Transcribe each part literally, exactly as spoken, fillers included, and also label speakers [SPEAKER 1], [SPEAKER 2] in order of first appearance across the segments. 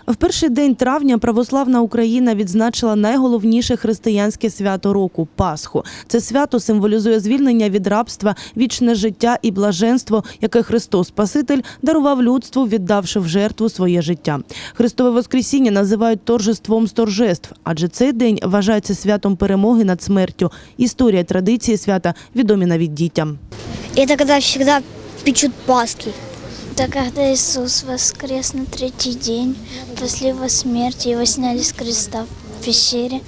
[SPEAKER 1] В перший день травня православна Україна відзначила найголовніше християнське свято року – Пасху. Це свято символізує звільнення від рабства, вічне життя і блаженство, яке Христос Спаситель дарував людству, віддавши в жертву своє життя. Христове Воскресіння називають торжеством з торжеств, адже цей день вважається святом перемоги над смертю. Історія, традиції свята відомі навіть дітям.
[SPEAKER 2] Это когда всегда печут Пасхи. Это когда Иисус воскрес на третий день после его смерти, его сняли с креста в пещере.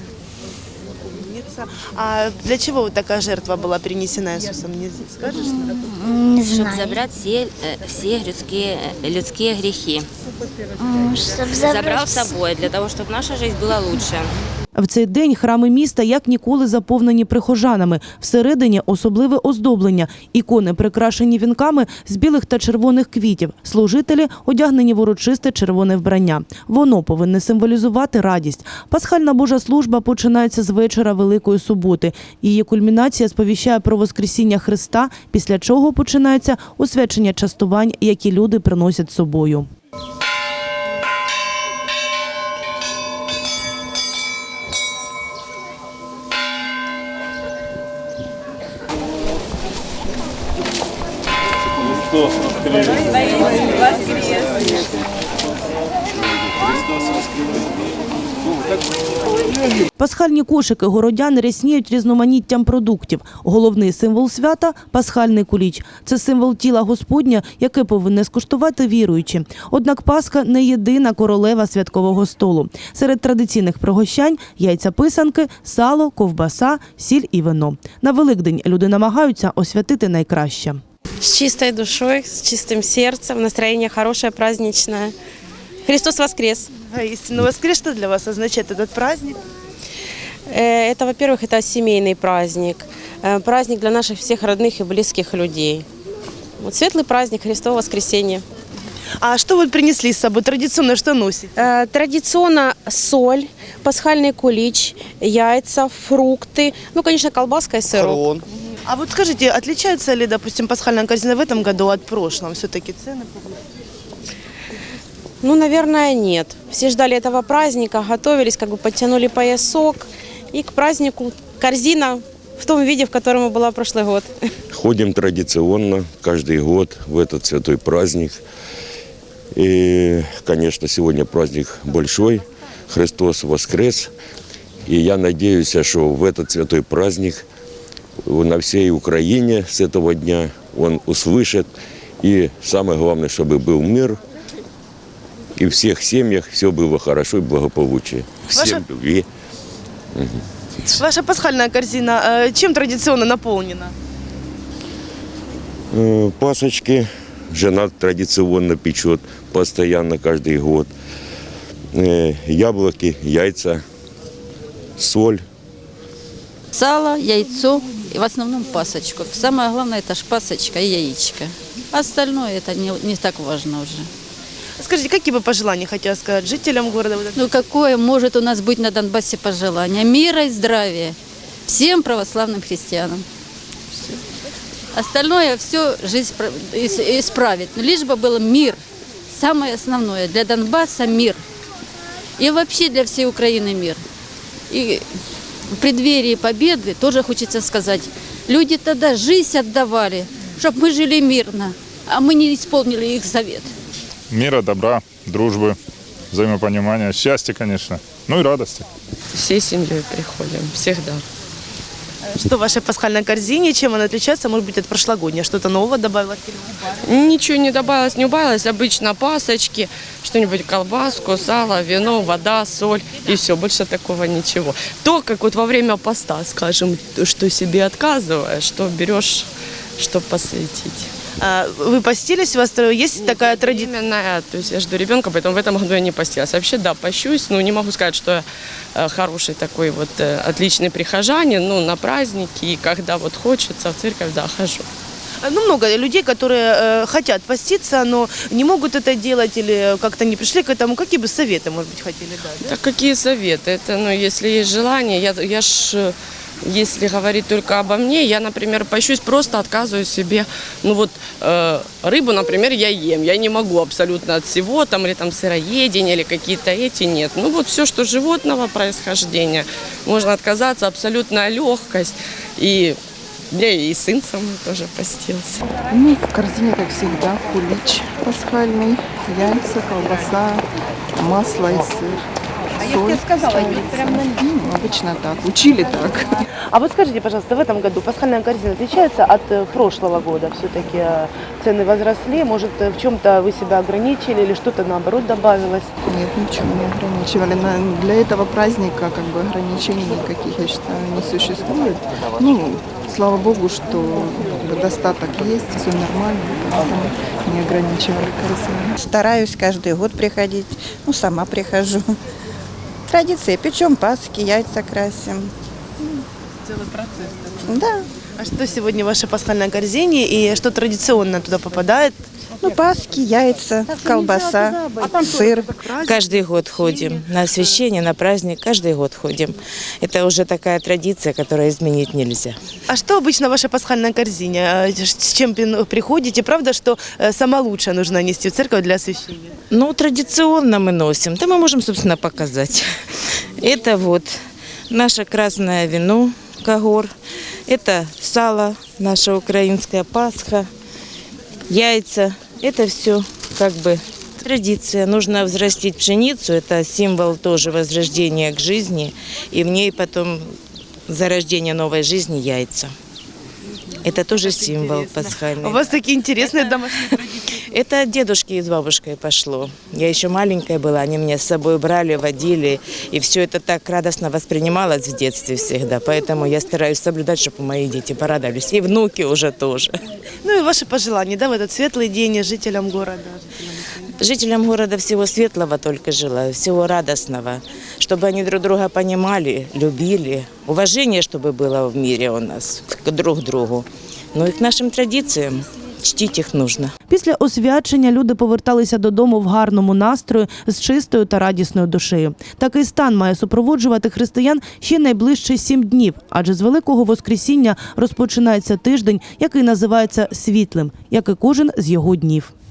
[SPEAKER 3] А для чего вот такая жертва была принесена Иисусом? Не скажешь?
[SPEAKER 2] Не
[SPEAKER 4] Чтобы
[SPEAKER 2] знаю.
[SPEAKER 4] забрать все, э, все людские, людские грехи.
[SPEAKER 2] Чтобы
[SPEAKER 4] Забрал с собой, для того, чтобы наша жизнь была лучше.
[SPEAKER 1] В цей день храми міста як ніколи заповнені прихожанами. Всередині особливе оздоблення. Ікони прикрашені вінками з білих та червоних квітів. Служителі одягнені в урочисте червоне вбрання. Воно повинне символізувати радість. Пасхальна Божа служба починається з вечора Великої суботи. Її кульмінація сповіщає про Воскресіння Христа, після чого починається освячення частувань, які люди приносять з собою. Пасхальні кошики городян рясніють різноманіттям продуктів. Головний символ свята – пасхальний куліч. Це символ тіла Господня, яке повинні скуштувати віруючі. Однак Пасха не єдина королева святкового столу. Серед традиційних пригощань – яйця-писанки, сало, ковбаса, сіль і вино. На Великдень люди намагаються освятити найкраще.
[SPEAKER 5] С чистой душой, с чистым сердцем, настроение хорошее, праздничное. Христос воскрес!
[SPEAKER 3] А истинно воскрес, что для вас означает этот праздник?
[SPEAKER 5] Э, Это, во-первых, это семейный праздник, э, праздник для наших всех родных и близких людей. Вот светлый праздник Христово воскресенье.
[SPEAKER 3] А что вы принесли с собой? Традиционно что носите?
[SPEAKER 5] Э, Традиционно соль, пасхальный кулич, яйца, фрукты, ну, конечно, колбаска и сырок.
[SPEAKER 3] А вот скажите, отличается ли, допустим, пасхальная корзина в этом году от прошлого? Все-таки цены?
[SPEAKER 5] Ну, наверное, нет. Все ждали этого праздника, готовились, как бы подтянули поясок. И к празднику корзина в том виде, в котором и была прошлый год.
[SPEAKER 6] Ходим традиционно каждый год в этот святой праздник. И, конечно, сегодня праздник большой, Христос воскрес. И я надеюсь, что в этот святой праздник на всей Украине с этого дня он услышит. И самое главное, чтобы был мир. И в всех семьях все было хорошо и благополучие. Всем
[SPEAKER 3] Ваша...
[SPEAKER 6] любви. Угу.
[SPEAKER 3] Ваша пасхальная корзина э, чем традиционно наполнена?
[SPEAKER 6] Э, Пасочки жена традиционно печет постоянно каждый год. Э, Яблоки, яйца, соль.
[SPEAKER 7] Сало, яйцо и в основном пасочку. Самое главное – это ж пасочка и яичко. Остальное это не, не так важно уже.
[SPEAKER 3] Скажите, какие бы пожелания хотела сказать жителям города?
[SPEAKER 7] Ну какое может у нас быть на Донбассе пожелание? Мира и здравия всем православным христианам. Остальное все жизнь исправит. Но лишь бы был мир. Самое основное для Донбасса мир. И вообще для всей Украины мир. И в преддверии победы тоже хочется сказать, люди тогда жизнь отдавали, чтобы мы жили мирно, а мы не исполнили их завет.
[SPEAKER 8] Мира, добра, дружбы, взаимопонимания, счастья, конечно, ну и радости.
[SPEAKER 9] Всей семьей приходим, всегда.
[SPEAKER 3] Что в вашей пасхальной корзине, чем она отличается, может быть, от прошлогодней? Что-то нового добавилось?
[SPEAKER 9] Ничего не добавилось, не убавилось. Обычно пасочки, что-нибудь, колбаску, сало, вино, вода, соль и все. Больше такого ничего. То, как вот во время поста, скажем, что себе отказываешь, что берешь, чтобы посвятить.
[SPEAKER 3] А вы постились? У вас есть такая традиция?
[SPEAKER 9] Именно, то есть я жду ребенка, поэтому в этом году я не постилась. Вообще, да, пощусь, но не могу сказать, что я хороший такой вот отличный прихожанин, ну, на праздники, и когда вот хочется в церковь, да, хожу.
[SPEAKER 3] Ну, много людей, которые э, хотят поститься, но не могут это делать или как-то не пришли к этому. Какие бы советы, может быть, хотели дать? Да?
[SPEAKER 9] Так какие советы? Это, ну, если есть желание, я, я ж если говорить только обо мне, я, например, пощусь, просто отказываю себе, ну вот, э, рыбу, например, я ем, я не могу абсолютно от всего, там, или там сыроедение, или какие-то эти, нет. Ну вот все, что животного происхождения, можно отказаться, абсолютная легкость, и я и сын со мной тоже постился.
[SPEAKER 10] Ну, в корзине, как всегда, кулич пасхальный, яйца, колбаса, масло и сыр. Соль ставится. Ну, обычно так. Учили так.
[SPEAKER 3] А вот скажите, пожалуйста, в этом году пасхальная корзина отличается от э, прошлого года? Все-таки э, цены возросли, может, э, в чем-то вы себя ограничили или что-то наоборот добавилось?
[SPEAKER 10] Нет, ничего не ограничивали. На- Для этого праздника как бы ограничений никаких, я считаю, не существует. Ну, слава богу, что как бы, достаток есть, все нормально, поэтому не ограничивали корзину.
[SPEAKER 11] Стараюсь каждый год приходить, ну, сама прихожу. Традиция, печем пасхи, яйца красим.
[SPEAKER 3] Целый процесс.
[SPEAKER 11] Да,
[SPEAKER 3] А что сегодня в вашей пасхальной корзине и что традиционно туда попадает?
[SPEAKER 11] ну, пасхи, яйца, колбаса, сыр.
[SPEAKER 12] Каждый год ходим на освящение, на праздник, каждый год ходим. Это уже такая традиция, которую изменить нельзя.
[SPEAKER 3] А что обычно в вашей пасхальной корзине? А, С чем пин- приходите? Правда, что э, сама лучшая нужно нести в церковь для освящения?
[SPEAKER 12] Ну, традиционно мы носим, да мы можем, собственно, показать. Это вот наше красное вино, когор, это сало, наша украинская Пасха, яйца. Это все как бы традиция. Нужно взрастить пшеницу, это символ тоже возрождения к жизни, и в ней потом зарождение новой жизни яйца. Это тоже символ пасхальный.
[SPEAKER 3] У вас такие интересные домашние традиции.
[SPEAKER 12] Это от дедушки и с бабушкой пошло. Я еще маленькая была, они меня с собой брали, водили, и все это так радостно воспринималось в детстве всегда. Поэтому я стараюсь соблюдать, чтобы мои дети порадовались, и внуки уже тоже.
[SPEAKER 3] Ну и ваши пожелания, да, в этот светлый день жителям города?
[SPEAKER 12] Жителям города всего светлого только желаю, всего радостного, чтобы они друг друга понимали, любили, уважение, чтобы было в мире у нас к друг другу. Ну и к нашим традициям. Чтить їх нужно.
[SPEAKER 1] Після освячення люди поверталися додому в гарному настрої з чистою та радісною душею. Такий стан має супроводжувати християн ще найближчі сім днів, адже з Великого Воскресіння розпочинається тиждень, який називається світлим, як і кожен з його днів.